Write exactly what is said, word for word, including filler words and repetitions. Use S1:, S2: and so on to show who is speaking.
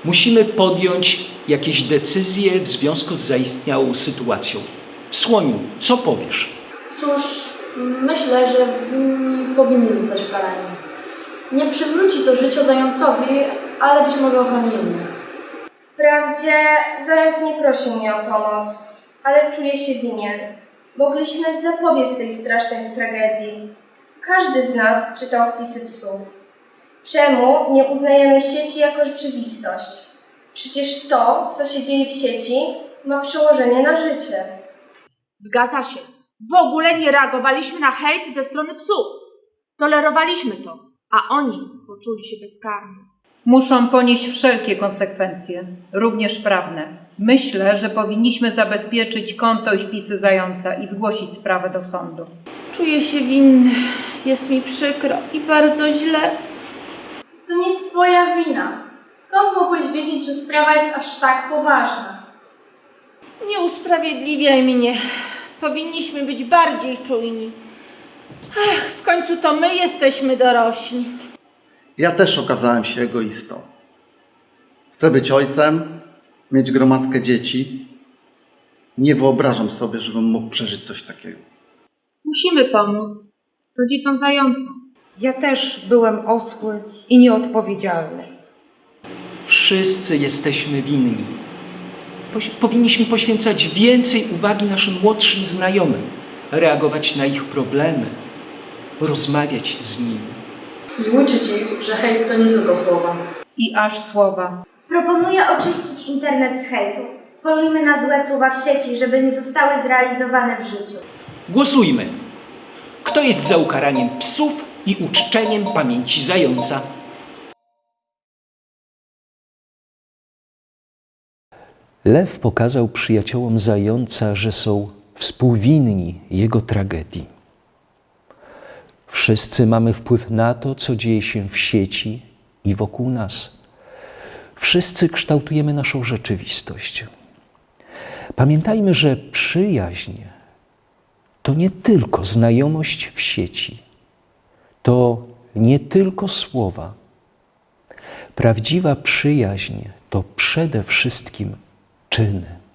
S1: Musimy podjąć jakieś decyzje w związku z zaistniałą sytuacją. Słoniu, co powiesz?
S2: Cóż, myślę, że winni powinni zostać karani. Nie przywróci to życia zającowi, ale być może ochroni innych.
S3: Wprawdzie zając nie prosił mnie o pomoc, ale czuję się winien. Mogliśmy zapobiec tej strasznej tragedii. Każdy z nas czytał wpisy psów. Czemu nie uznajemy sieci jako rzeczywistość? Przecież to, co się dzieje w sieci, ma przełożenie na życie.
S4: Zgadza się. W ogóle nie reagowaliśmy na hejt ze strony psów. Tolerowaliśmy to, a oni poczuli się bezkarni.
S5: Muszą ponieść wszelkie konsekwencje, również prawne. Myślę, że powinniśmy zabezpieczyć konto i wpisy zająca i zgłosić sprawę do sądu.
S6: Czuję się winny, jest mi przykro i bardzo źle.
S2: To nie twoja wina. Skąd mogłeś wiedzieć, że sprawa jest aż tak poważna?
S6: Nie usprawiedliwiaj mnie. Powinniśmy być bardziej czujni. Ach, w końcu to my jesteśmy dorośli.
S7: Ja też okazałem się egoistą. Chcę być ojcem, mieć gromadkę dzieci. Nie wyobrażam sobie, żebym mógł przeżyć coś takiego.
S4: Musimy pomóc rodzicom zająca.
S8: Ja też byłem osły i nieodpowiedzialny.
S1: Wszyscy jesteśmy winni. Poś- powinniśmy poświęcać więcej uwagi naszym młodszym znajomym, reagować na ich problemy, rozmawiać z nimi.
S2: I uczyć ich, że hejt to nie tylko słowa.
S5: I aż słowa.
S9: Proponuję oczyścić internet z hejtu. Polujmy na złe słowa w sieci, żeby nie zostały zrealizowane w życiu.
S1: Głosujmy. Kto jest za ukaraniem psów i uczczeniem pamięci zająca?
S10: Lew pokazał przyjaciołom zająca, że są współwinni jego tragedii. Wszyscy mamy wpływ na to, co dzieje się w sieci i wokół nas. Wszyscy kształtujemy naszą rzeczywistość. Pamiętajmy, że przyjaźń to nie tylko znajomość w sieci, to nie tylko słowa. Prawdziwa przyjaźń to przede wszystkim czyny.